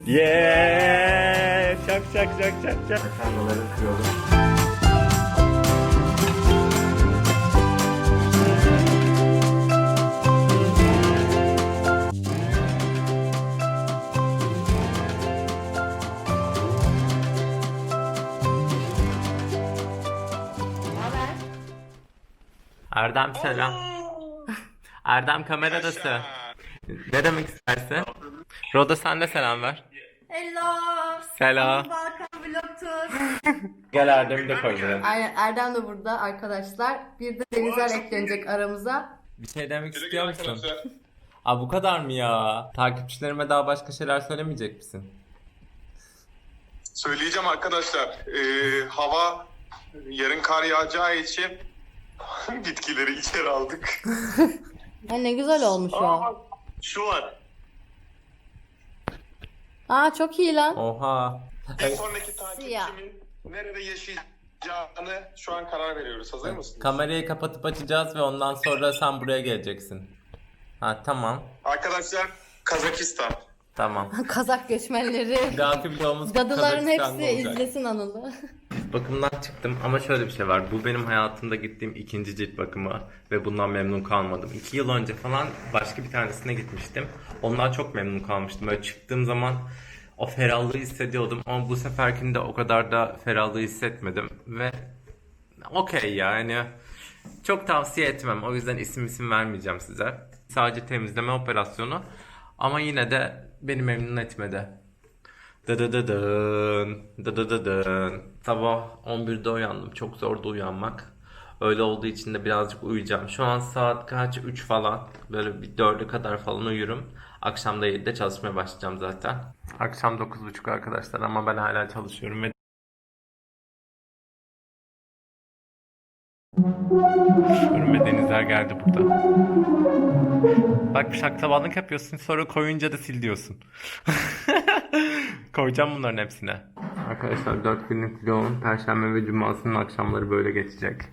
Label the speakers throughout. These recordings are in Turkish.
Speaker 1: Yeah! Şak şak şak şak şak.
Speaker 2: Makarnaları kırıyordum.
Speaker 1: Erdem selam. Erdem kameradası. Ne demek istersin? Roda sen de selam ver.
Speaker 3: Hello.
Speaker 1: Selam.
Speaker 3: Balkan Vlog Tour.
Speaker 1: Gel Erdem'i de koy buraya.
Speaker 3: Aynen Erdem de burada arkadaşlar. Bir de Denizler eklenecek aramıza.
Speaker 1: Bir şey demek istiyor musun? Aa, bu kadar mı ya? Takipçilerime daha başka şeyler söylemeyecek misin?
Speaker 4: Söyleyeceğim arkadaşlar. Hava yarın kar yağacağı için bitkileri içeri aldık.
Speaker 3: Ha, ne güzel olmuş o.
Speaker 4: Şu var.
Speaker 3: Aa çok iyi lan.
Speaker 1: Oha.
Speaker 4: Bir sonraki
Speaker 3: Siyah.
Speaker 4: takipçimin nerede yaşayacağını şu an karar veriyoruz. Hazır mısınız?
Speaker 1: Kamerayı kapatıp açacağız ve ondan sonra sen buraya geleceksin. Ha tamam.
Speaker 4: Arkadaşlar Kazakistan.
Speaker 1: Tamam.
Speaker 3: Kazak göçmenleri.
Speaker 1: Dahaki vlogumuz
Speaker 3: Dadıların
Speaker 1: Kazakistan'da
Speaker 3: hepsi
Speaker 1: olacak.
Speaker 3: izlesin Anıl'ı.
Speaker 1: Bakımdan çıktım ama şöyle bir şey var. Bu benim hayatımda gittiğim ikinci cilt bakımı ve bundan memnun kalmadım. 2 yıl önce falan başka bir tanesine gitmiştim. Ondan çok memnun kalmıştım. Böyle çıktığım zaman o ferahlığı hissediyordum ama bu seferkinde o kadar da ferahlığı hissetmedim ve okey yani çok tavsiye etmem. O yüzden isim vermeyeceğim size. Sadece temizleme operasyonu ama yine de beni memnun etmedi. Dıdıdıdın, dıdıdıdın. Sabah 11'de uyandım. Çok zordu uyanmak. Öyle olduğu için de birazcık uyuyacağım. Şu an saat kaç? 3 falan. Böyle bir 4'e kadar falan uyurum. Akşam da 7'de çalışmaya başlayacağım zaten. Akşam 9.30 arkadaşlar ama ben hala çalışıyorum ve Görünme denizler geldi burada. Bak şaklabanlık yapıyorsun sonra koyunca da sil diyorsun. Koyacağım bunların hepsine. Arkadaşlar 4 günlük vlogun Perşembe ve Cuma'sının akşamları böyle geçecek.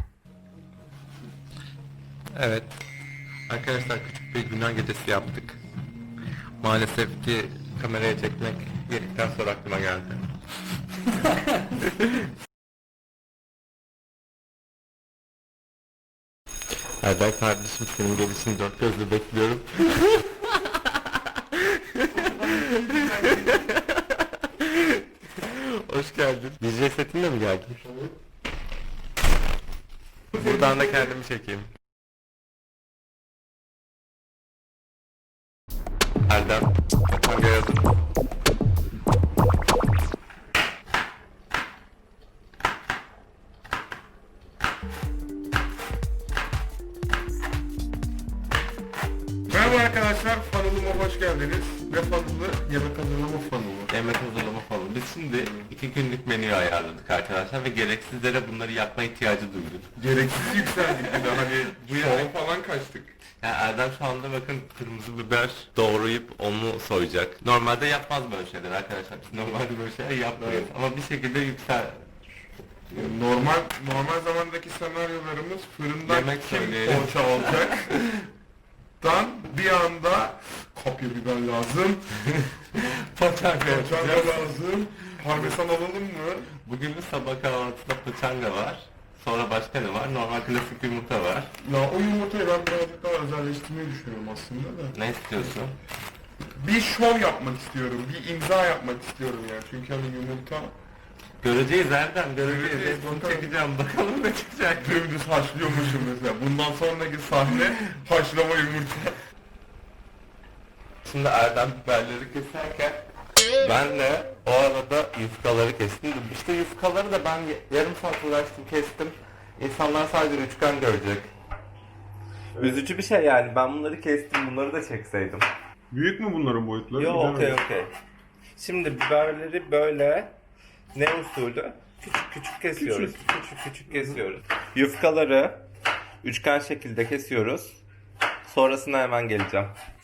Speaker 1: Evet. Arkadaşlar küçük bir günah gecesi yaptık. Maalesef ki kameraya çekmek yedikten sonra aklıma geldi. Erdem kardeşim senin gelişini dört gözle bekliyorum. Hoş geldin. DJ setinle mi geldin? Buradan da kendimi çekeyim. Erdem, hangi yazın?
Speaker 4: Merhaba arkadaşlar, fanılıma hoş geldiniz. Ne fanılı? Yemek hazırlama fanılı.
Speaker 1: Yemek hazırlama falan. Biz şimdi 2 günlük menüyü ayarladık arkadaşlar ve gereksizlere bunları yapma ihtiyacı duyduk.
Speaker 4: Gereksiz yükseldik bir de hani bu yana falan kaçtık.
Speaker 1: Yani Erdem şu anda bakın kırmızı biber doğrayıp onu soyacak. Normalde yapmaz böyle şeyler arkadaşlar. Biz normalde böyle şeyler yapmıyoruz. Ama bir şekilde
Speaker 4: Normal zamandaki senaryolarımız fırından
Speaker 1: Yemek
Speaker 4: kim
Speaker 1: söyleyelim.
Speaker 4: poğaça alacak? Dan bir anda kapya biber lazım,
Speaker 1: paçanga
Speaker 4: poğaça
Speaker 1: yapacağız.
Speaker 4: lazım, parmesan alalım mı?
Speaker 1: Bugün de sabah kahvaltısında paçanga var. Sonra başka ne var? Normal klasik yumurta var.
Speaker 4: Ya o yumurtayı ben birazcık daha özelleştirmeyi düşünüyorum aslında da.
Speaker 1: Ne istiyorsun?
Speaker 4: Bir şov yapmak istiyorum, bir imza yapmak istiyorum yani çünkü hani yumurta
Speaker 1: Göreceğiz Erdem, göreceğiz.
Speaker 4: Göreceğiz,
Speaker 1: Bunu
Speaker 4: bakalım.
Speaker 1: çekeceğim. Bakalım ne çıkacak.
Speaker 4: dümdüz haşlıyormuşum mesela. Bundan sonraki sahne haşlama yumurta.
Speaker 1: Şimdi Erdem biberleri keserken ben de o arada yufkaları kestim. İşte yufkaları da ben yarım saat uğraştım kestim. İnsanlar sadece üçgen görecek. Üzücü bir şey yani. Ben bunları kestim. Bunları da çekseydim.
Speaker 4: Büyük mü bunların boyutları?
Speaker 1: Yo
Speaker 4: Bilemedim.
Speaker 1: okey. Şimdi biberleri böyle ne usulü? Küçük küçük kesiyoruz. Küçük küçük kesiyoruz. Yufkaları üçgen şekilde kesiyoruz. Sonrasında hemen geleceğim.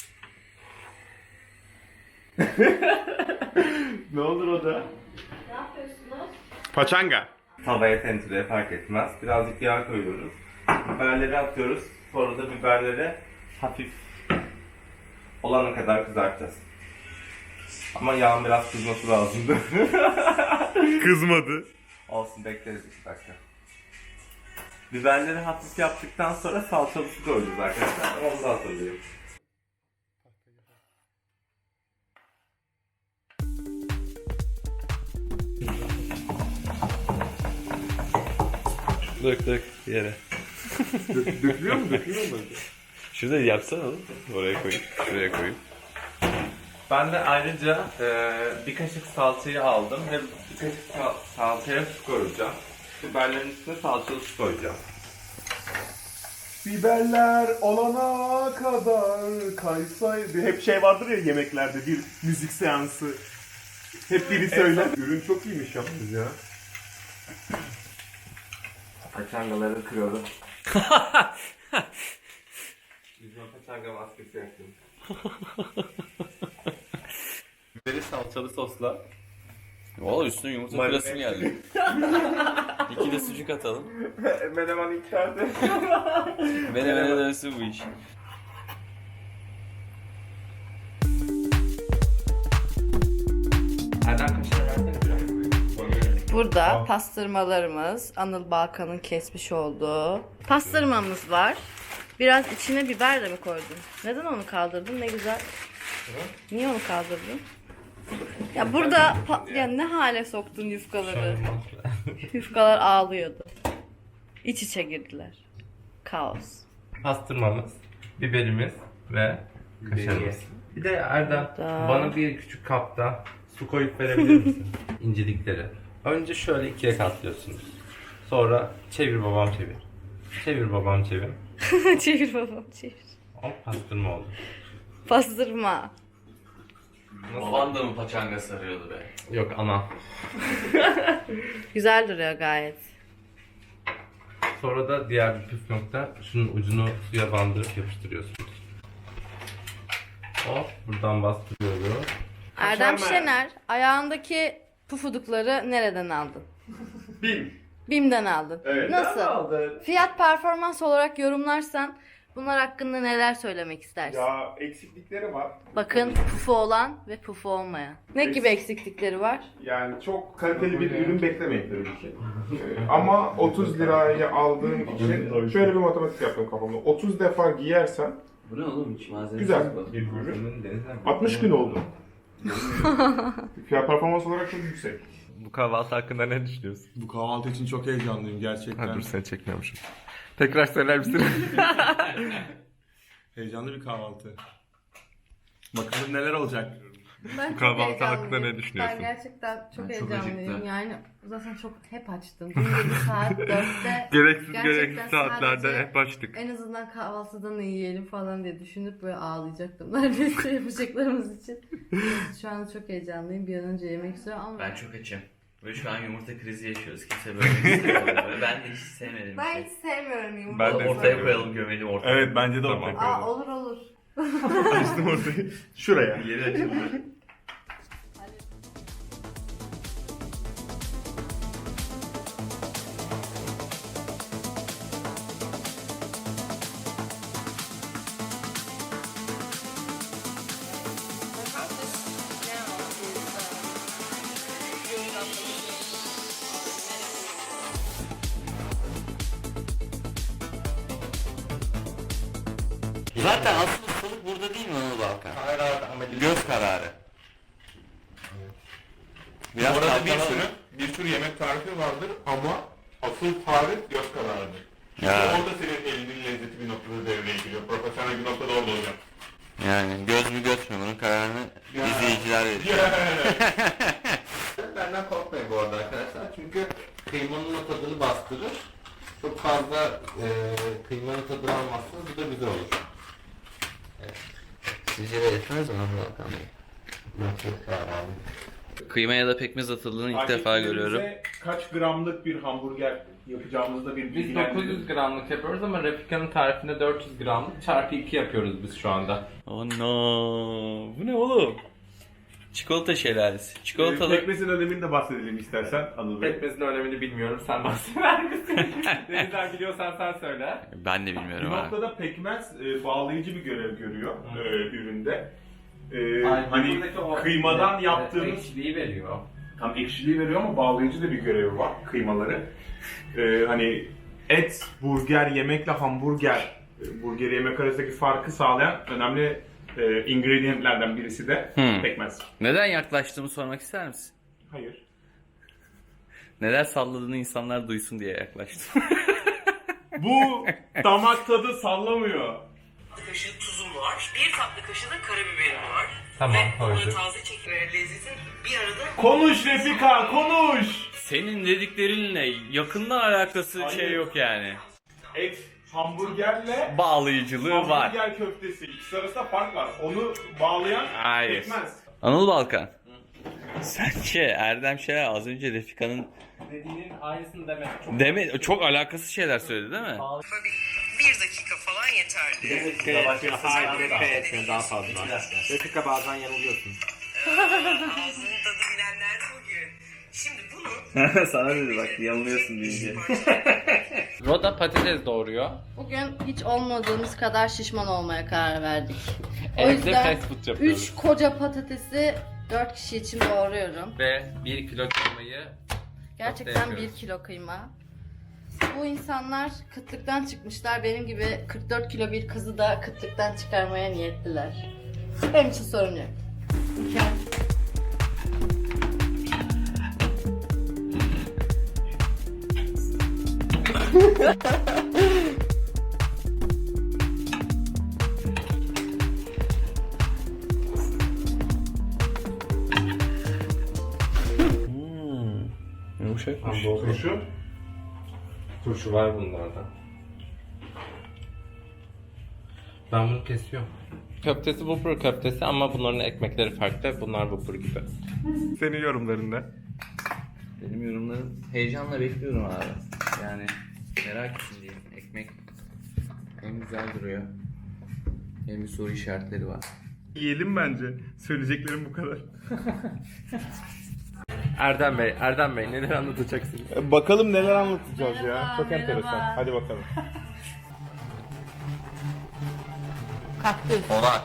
Speaker 1: Ne olur o da?
Speaker 3: Ne yapıyorsunuz?
Speaker 4: Paçanga.
Speaker 1: Tavaya tencereye fark etmez. Birazcık yağ koyuyoruz. Biberleri atıyoruz. Sonra da biberleri hafif olana kadar kızartacağız. Ama yağın biraz kızması lazımdı.
Speaker 4: Kızmadı.
Speaker 1: Olsun, bekleriz 2 dakika. Biberleri hafif yaptıktan sonra salçalı su koyacağız arkadaşlar. Onu da hazırlayayım.
Speaker 2: Dök yere.
Speaker 4: Dökülüyor mu? Dökülüyor mu?
Speaker 2: Şurada yapsana oğlum. Oraya koyayım. Şuraya koyayım.
Speaker 1: Ben de ayrıca bir kaşık salçayı aldım ve bir kaşık salçaya su koyacağım. Biberlerin üstüne salçalı su koyacağım.
Speaker 4: Biberler olana kadar kaysaydı. Hep şey vardır ya yemeklerde, bir müzik seansı. Hep biri söyler. Ürün çok iyiymiş yalnız ya.
Speaker 1: Paçangaları kırıyorum. Yüzüme paçanga maskesi yaptım. Biberi salçalı sosla.
Speaker 2: Valla üstüne yumurta
Speaker 1: Marine.
Speaker 2: püresi geldi. 2 de sucuk atalım.
Speaker 1: Menemen içeride.
Speaker 2: Menemene dönsün bu iş.
Speaker 1: Erdem kaşar versene biraz.
Speaker 3: Burada pastırmalarımız, Anıl Balkan'ın kesmiş olduğu pastırmamız var. Biraz içine biber de mi koydun? Neden onu kaldırdın? Ne güzel. Niye onu kaldırdın? Ya burada ya ne hale soktun yufkaları? Yufkalar ağlıyordu. İç içe girdiler. Kaos.
Speaker 1: Pastırmamız, biberimiz ve kaşarımız. Bir de Erdem
Speaker 3: Da.
Speaker 1: bana bir küçük kapta su koyup verebilir misin? İncelikleri. Önce şöyle ikiye katlıyorsunuz. Sonra çevir babam çevir. Çevir babam çevir.
Speaker 3: Çevir babam çevir.
Speaker 1: Hop, pastırma oldu.
Speaker 3: Pastırma.
Speaker 2: Baban da mı paçanga sarıyordu be?
Speaker 1: Yok, ana.
Speaker 3: Güzel duruyor gayet.
Speaker 1: Sonra da diğer bir püf nokta, şunun ucunu suya bandırıp yapıştırıyorsunuz. Hop, buradan bastırıyoruz.
Speaker 3: Erdem
Speaker 4: Kaşar
Speaker 3: Şener, ayağındaki pufudukları nereden aldın?
Speaker 4: Bin.
Speaker 3: BİM'den aldın.
Speaker 4: Evet.
Speaker 3: Nasıl? Fiyat performans olarak yorumlarsan bunlar hakkında neler söylemek istersin?
Speaker 4: Ya eksiklikleri var.
Speaker 3: Bakın pufu olan ve pufu olmayan. Ne gibi eksiklikleri var?
Speaker 4: Yani çok kaliteli bir ürün beklemeyin tabii ki. Ama 30 liraya aldığım için şöyle bir matematik yaptım kafamda. 30 defa giyersen
Speaker 2: Bu ne oğlum hiç malzeme
Speaker 4: güzel bir ürün. 60 gün oldu. Fiyat performans olarak çok yüksek.
Speaker 1: Bu kahvaltı hakkında ne düşünüyorsun?
Speaker 5: Bu kahvaltı için çok heyecanlıyım gerçekten.
Speaker 1: Seni çekmiyormuşum. Tekrar söyler misin?
Speaker 5: Heyecanlı bir kahvaltı. Bakalım neler olacak.
Speaker 3: Ben
Speaker 1: Bu kahvaltı hakkında ne düşünüyorsun?
Speaker 3: Ben gerçekten çok
Speaker 2: Ben çok
Speaker 3: heyecanlıyım.
Speaker 2: acıktım.
Speaker 3: Yani zaten çok hep açtım. Dün gece saat 4'te
Speaker 1: Gereksiz
Speaker 3: gerçekten
Speaker 1: saatlerde
Speaker 3: sadece
Speaker 1: hep açtık.
Speaker 3: en azından kahvaltıda ne yiyelim falan diye düşünüp böyle ağlayacaktım. Neredeyse yapacaklarımız için. Şu an çok heyecanlıyım. Bir an önce yemek istiyorum ama
Speaker 6: Ben çok açım. Ve şu an yumurta krizi yaşıyoruz. Kimse böyle istemiyor. Ben de hiç sevmedim.
Speaker 3: ben hiç sevmiyorum yumurta.
Speaker 1: Ben de
Speaker 6: Ortaya
Speaker 1: sevmiyorum.
Speaker 6: koyalım, gömelim ortaya.
Speaker 5: Evet bence de
Speaker 1: Tamam.
Speaker 5: ortak.
Speaker 3: Aa, olur olur.
Speaker 4: Açtım ortayı. Şuraya.
Speaker 6: Yeri açıldı.
Speaker 2: Zaten asıl ustalık burada değil mi Anıl Balkan? Göz kararı. Biraz
Speaker 4: Bu arada
Speaker 2: kalkalım.
Speaker 4: bir sürü yemek tarifi vardır ama asıl tarif göz kararıdır. Çünkü
Speaker 2: Ya.
Speaker 4: orada senin elinin lezzeti bir noktada devreye giriyor. Profesyonel bir noktada orada olacak.
Speaker 2: Yani göz mü göz mü bunun kararını
Speaker 4: Ya.
Speaker 2: izleyiciler verecek.
Speaker 1: Benden korkmayın bu arada arkadaşlar. Çünkü kıymanın o tadını bastırır. Çok fazla kıymanın tadını almazsanız bu da güzel olur.
Speaker 2: Sizce de yetmez mi Anıl Balkan Bey? Kıyma ya da pekmez atıldığını ilk defa görüyorum.
Speaker 4: Kaç gramlık bir hamburger yapacağımızda bir
Speaker 1: Biz
Speaker 4: bilgilendirin.
Speaker 1: 900 gramlık yapıyoruz ama Refika'nın tarifinde 400 gramlık çarpı 2 yapıyoruz biz şu anda.
Speaker 2: Oh no. Bu ne oğlum? Çikolata şelalesi. Çikolatalı.
Speaker 4: Pekmezin önemini de bahsedelim istersen Anıl Bey.
Speaker 1: Pekmezin önemini bilmiyorum, sen bahseder misin? Denizler biliyorsan sen söyle.
Speaker 2: Ben de
Speaker 4: Bir
Speaker 2: bilmiyorum abi.
Speaker 4: noktada pekmez bağlayıcı bir görev görüyor üründe. hani kıymadan yaptığımız
Speaker 1: ekşiliği veriyor.
Speaker 4: tam ekşiliği veriyor ama bağlayıcı da bir görevi var kıymaları. Hani et, burger yemekle hamburger, burger yemek arasındaki farkı sağlayan önemli ingredientlerden birisi de pekmez.
Speaker 2: Neden yaklaştığımı sormak ister misin?
Speaker 4: Hayır.
Speaker 2: Neden salladığını insanlar duysun diye yaklaştım.
Speaker 4: Bu damak tadı sallamıyor.
Speaker 7: Kaşığı tuzum var. 1 tatlı kaşığı da karabiberim var.
Speaker 1: Tamam,
Speaker 7: Ve onları
Speaker 1: koyduk.
Speaker 7: taze çekim ve lezzetin bir arada
Speaker 4: Konuş Refika, konuş!
Speaker 2: Senin dediklerinle yakından alakası
Speaker 4: Hayır.
Speaker 2: şey yok yani.
Speaker 4: Et, hamburgerle
Speaker 2: Bağlayıcılığı var.
Speaker 4: hamburger köftesi. İkisi arasında fark var. Onu bağlayan
Speaker 2: Hayır.
Speaker 4: pekmez.
Speaker 2: Anıl Balkan. Sence Erdem Şener az önce Refika'nın
Speaker 1: Dediğinin aynısını demek çok
Speaker 2: çok alakasız şeyler söyledi değil mi?
Speaker 7: 1 dakika falan yeterli.
Speaker 1: daha fazla. Refika bazen yanılıyorsun.
Speaker 7: Ağzının tadı bilenler de bugün. Şimdi bunu
Speaker 2: Sana dedi bak yanılıyorsun deyince.
Speaker 1: Roda patates doğuruyor.
Speaker 3: Bugün hiç olmadığımız kadar şişman olmaya karar verdik. O
Speaker 1: Evde
Speaker 3: yüzden
Speaker 1: fast food yapıyoruz.
Speaker 3: 3 koca patatesi 4 kişi için doğruyorum.
Speaker 1: Ve 1 kilo kıymayı
Speaker 3: Gerçekten
Speaker 1: Köfte
Speaker 3: 1
Speaker 1: yapıyoruz.
Speaker 3: kilo kıyma. Bu insanlar kıtlıktan çıkmışlar. Benim gibi 44 kilo bir kızı da kıtlıktan çıkarmaya niyetliler. Benim için sorun yok. Mükemmel.
Speaker 2: Yumuşakmış.
Speaker 4: Turşu.
Speaker 1: turşu var bunlardan. Ben bunu kesiyorum. Köftesi Whopper köftesi ama bunların ekmekleri farklı. Bunlar Whopper gibi.
Speaker 4: Senin yorumlarında.
Speaker 6: Benim yorumlarım heyecanla bekliyorum abi. Yani merak içindeyim. Ekmek hem güzel duruyor hem bir soru işaretleri var.
Speaker 4: Yiyelim bence. Söyleyeceklerim bu kadar.
Speaker 1: Erdem Bey neler anlatacaksınız?
Speaker 4: Bakalım neler anlatacağız
Speaker 3: Merhaba,
Speaker 4: ya. Çok
Speaker 3: merhaba.
Speaker 4: enteresan. Hadi bakalım.
Speaker 3: Kaktüs.
Speaker 6: Orak.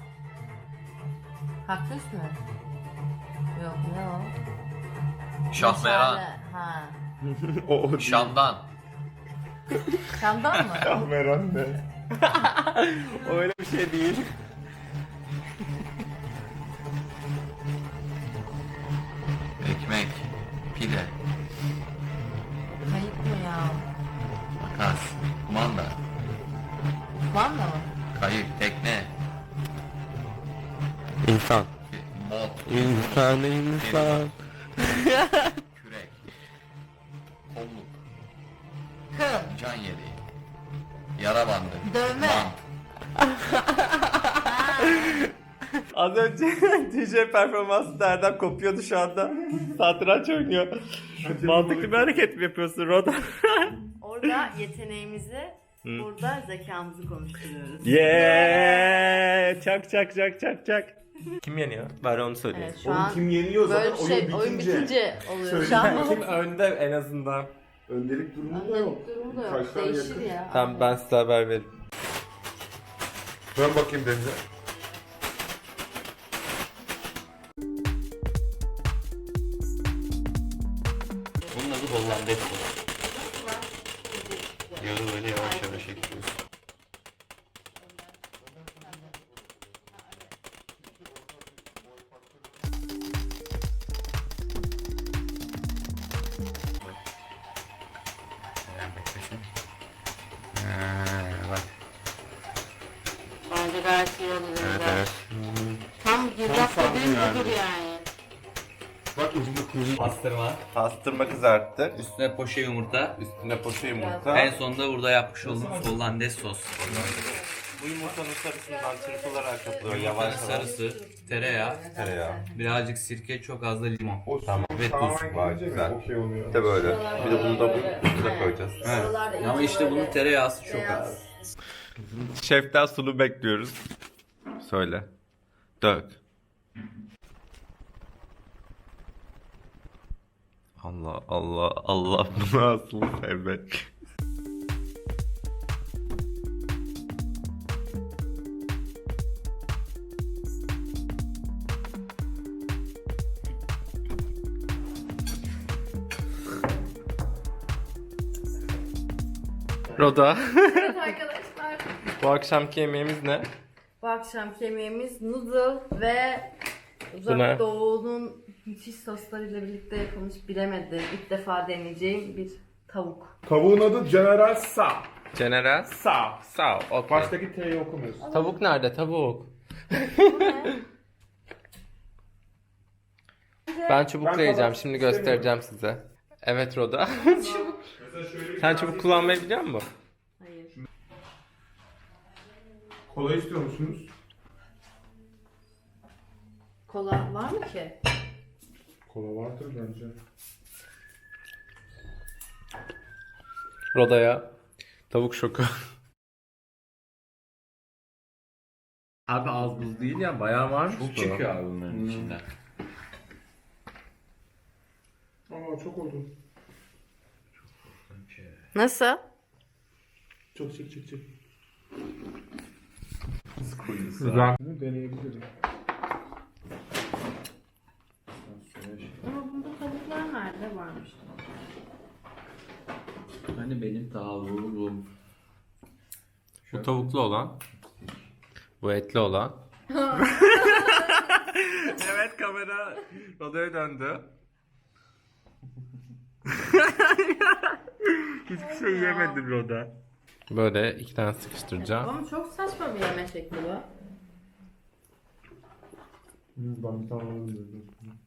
Speaker 3: Kaktüs mü? Yok ne o?
Speaker 6: Şahmeran.
Speaker 3: Ha.
Speaker 4: O
Speaker 6: Şam'dan.
Speaker 3: Şam'dan mı?
Speaker 4: Şahmeran ne?
Speaker 1: Öyle bir şey değil.
Speaker 6: Ekmek. Pide.
Speaker 3: Kayıp mı ya?
Speaker 6: Makas. Kumanda.
Speaker 3: Kumanda mı?
Speaker 6: Kayık. Tekne.
Speaker 1: İnsan.
Speaker 6: Bot.
Speaker 1: İnsan.
Speaker 6: Kürek. Kolluk.
Speaker 3: Kıl.
Speaker 6: Can yeleği. Yara bandı.
Speaker 3: Dövme.
Speaker 6: Bant.
Speaker 1: Az önce DJ performansı Erdem kopuyordu şu anda. Satranç oynuyor. Mantıklı bir hareket mi yapıyorsun Roda?
Speaker 3: Orada yeteneğimizi, burada zekamızı konuşturuyoruz.
Speaker 1: Yeah! Çak. Kim yeniyor? Bari onu söyleyin.
Speaker 3: Evet şu an
Speaker 4: Kim yeniyor
Speaker 3: böyle
Speaker 4: zaten
Speaker 3: bir şey oyun bitince oluyor. Şu an
Speaker 1: Kim önde en azından?
Speaker 4: Öndelik durumu da yok.
Speaker 3: öndelik durumu da yok.
Speaker 4: Kaç tane
Speaker 3: Değişir
Speaker 4: yakın?
Speaker 3: ya.
Speaker 1: Tamam ben size haber veririm.
Speaker 4: Dön bakayım Deniz'e.
Speaker 6: Bunun adı Hollandaise sos. Yağı böyle yavaş yavaş ekliyorsun. Bak.
Speaker 3: Bence gayet iyi olur.
Speaker 6: Evet evet.
Speaker 3: Tam girdap dediğin budur yani.
Speaker 1: Pastırma kızarttı.
Speaker 6: Üstüne poşe yumurta.
Speaker 1: Üstüne poşe yumurta.
Speaker 6: En sonunda burada yapmış olduğumuz Hollandaise sos.
Speaker 1: Bu yumurtanın sarısından çırpılarak atılıyor yavaş yavaş.
Speaker 6: Sarısı, tereyağı,
Speaker 1: Tereyağı.
Speaker 6: birazcık sirke, çok az da limon.
Speaker 1: Tamam. Ve tuz var güzel.
Speaker 4: Okey oluyor.
Speaker 1: Bir de böyle. Bir de bunu da bu üstüne koyacağız.
Speaker 6: Ama işte bunun tereyağısı çok az.
Speaker 1: Şeften sulu bekliyoruz. Söyle. Dök. Allah bunu asıl sevmek. Roda.
Speaker 3: Evet arkadaşlar.
Speaker 1: Bu akşamki yemeğimiz ne?
Speaker 3: Bu akşamki yemeğimiz noodle ve
Speaker 1: Bu ne?
Speaker 3: Uzak Doğu'nun müthiş soslarıyla birlikte yapılmış bilemedim. İlk defa deneyeceğim bir tavuk.
Speaker 4: Tavuğun adı General Sa.
Speaker 1: General.
Speaker 4: Sa.
Speaker 1: Sağ ol. Okay.
Speaker 4: Baştaki T'yi okumuyorsun.
Speaker 1: Tavuk nerede? Tavuk. Ben çubukla
Speaker 4: Ben
Speaker 1: yiyeceğim.
Speaker 4: kabak
Speaker 1: Şimdi
Speaker 4: istemiyorum.
Speaker 1: göstereceğim size. Evet Roda. Sen çubuk kullanmayı biliyor musun?
Speaker 3: Hayır.
Speaker 4: Kola istiyor musunuz?
Speaker 3: Kola var mı ki?
Speaker 4: Kola vardır bence.
Speaker 1: Roda'ya tavuk şoku. Abi az buz değil ya, bayağı varmış
Speaker 6: Çok çıkıyor abi bunların içinden.
Speaker 4: Aa çok oldu.
Speaker 3: Nasıl?
Speaker 4: Çok çık.
Speaker 6: Kuyusu.
Speaker 4: Güzel. Deneyebilirim.
Speaker 3: Ama bunda tavuklar nerede varmış?
Speaker 6: Hani benim tavuğum.
Speaker 1: Bu tavuklu olan. Bu etli olan. Evet, kamera Roda'ya döndü. Hiçbir şey yemedin Roda. Böyle iki tane sıkıştıracağım.
Speaker 3: Ama çok saçma bir yeme şekli bu.
Speaker 4: Ben bir tane alayım dedim.